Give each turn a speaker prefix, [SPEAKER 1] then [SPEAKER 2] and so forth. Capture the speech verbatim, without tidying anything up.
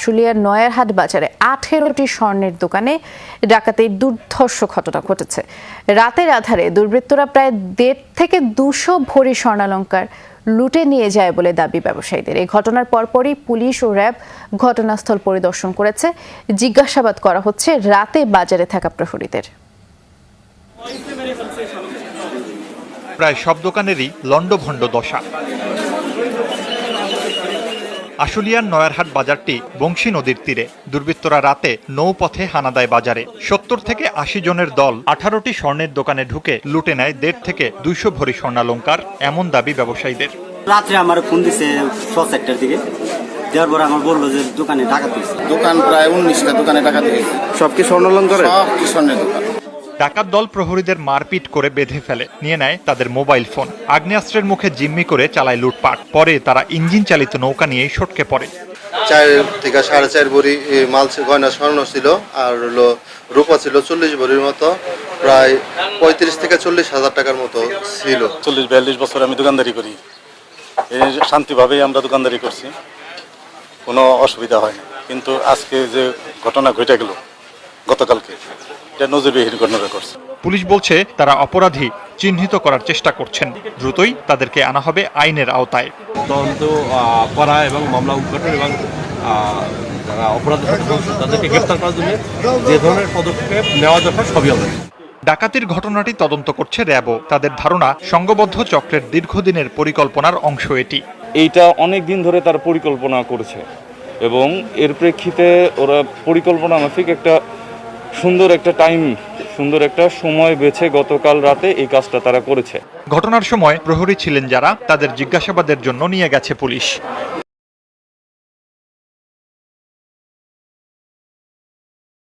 [SPEAKER 1] আশুলিয়ার নয়ারহাট বাজারে আঠেরোটি স্বর্ণের দোকানে ডাকাতির দুর্ধর্ষ ঘটনা ঘটেছে। রাতের আধারে দুর্বৃত্তরা প্রায় দেড় থেকে দুশো ভরি স্বর্ণালংকার লুটে নিয়ে যায় বলে দাবি ব্যবসায়ীদের। এই ঘটনার পরপরই পুলিশ ও র্যাব ঘটনাস্থল পরিদর্শন করেছে। জিজ্ঞাসাবাদ করা হচ্ছে রাতে বাজারে থাকা প্রহরীদের।
[SPEAKER 2] প্রায় সব দোকানেরই লন্ডভন্ড দশা। আশুলিয়ার নয়ারহাট বাজারটি বংশী নদীর তীরে। দুর্বৃত্তরা রাতে নৌপথে হানা দেয় বাজারে। সত্তর থেকে আশি জনের দল আঠারোটি স্বর্ণের দোকানে ঢুকে লুটে নেয় দেড় থেকে দুইশো ভরি স্বর্ণালংকার, এমন দাবি ব্যবসায়ীদের।
[SPEAKER 3] রাত্রে আমার ফোন দিছে ছয় একটার দিকে, দেওয়ার পর আমার বললো যে দোকানে ডাকাতি হয়েছে।
[SPEAKER 4] দোকান প্রায় উনিশটা দোকানে ডাকাতি হয়েছে।
[SPEAKER 5] সব কি স্বর্ণালংকার?
[SPEAKER 4] সব কি স্বর্ণের দোকান।
[SPEAKER 2] ডাকাত দল প্রহরীদের মারপিট করে বেঁধে ফেলে, নিয়ে নেয় তাদের মোবাইল ফোন। আগ্নেয়াস্ত্রের মুখে জিম্মি করে চালায় লুটপাট। পরে তারা ইঞ্জিন চালিত নৌকা নিয়ে সটকে পড়ে।
[SPEAKER 6] চার থেকে সাড়ে চার ভরি মাল গয়না স্বর্ণ ছিল, আর হলো রূপা ছিল চল্লিশ ভরির মতো, প্রায় পঁয়ত্রিশ থেকে চল্লিশ হাজার টাকার মতো ছিল।
[SPEAKER 5] চল্লিশ বিয়াল্লিশ বছর আমি দোকানদারি করি, এই শান্তিভাবেই আমরা দোকানদারি করছি, কোনো অসুবিধা হয় না। কিন্তু আজকে যে ঘটনা ঘটে গেল গতকালকে, এটা নজিরবিহীন ঘটনা করছে।
[SPEAKER 2] পুলিশ বলছে তারা অপরাধী চিহ্নিত করার চেষ্টা করছেন। দ্রুতই তাদেরকে আনা হবে আইনের আওতায়।
[SPEAKER 7] তদন্ত করা এবং মামলা উদ্ঘাটন এবং যারা অপরাধী তাদেরকে গ্রেফতার করার জন্য যে ধরনের পদক্ষেপ নেওয়া দরকার সবই হবে।
[SPEAKER 2] ডাকাতির ঘটনাটি তদন্ত করছে র্যাবও। তাদের ধারণা সংঘবদ্ধ চক্রের দীর্ঘদিনের পরিকল্পনার অংশ এটি।
[SPEAKER 8] এইটা অনেক দিন ধরে তার পরিকল্পনা করেছে এবং এর প্রেক্ষিতে ওরা পরিকল্পনা মাফিক একটা সুন্দর একটা টাইম সুন্দর একটা সময় বেছে গতকাল রাতে এই কাজটা তারা করেছে।
[SPEAKER 2] ঘটনার সময় প্রহরী ছিলেন যারা, তাদের জিজ্ঞাসাবাদের জন্য নিয়ে গেছে পুলিশ।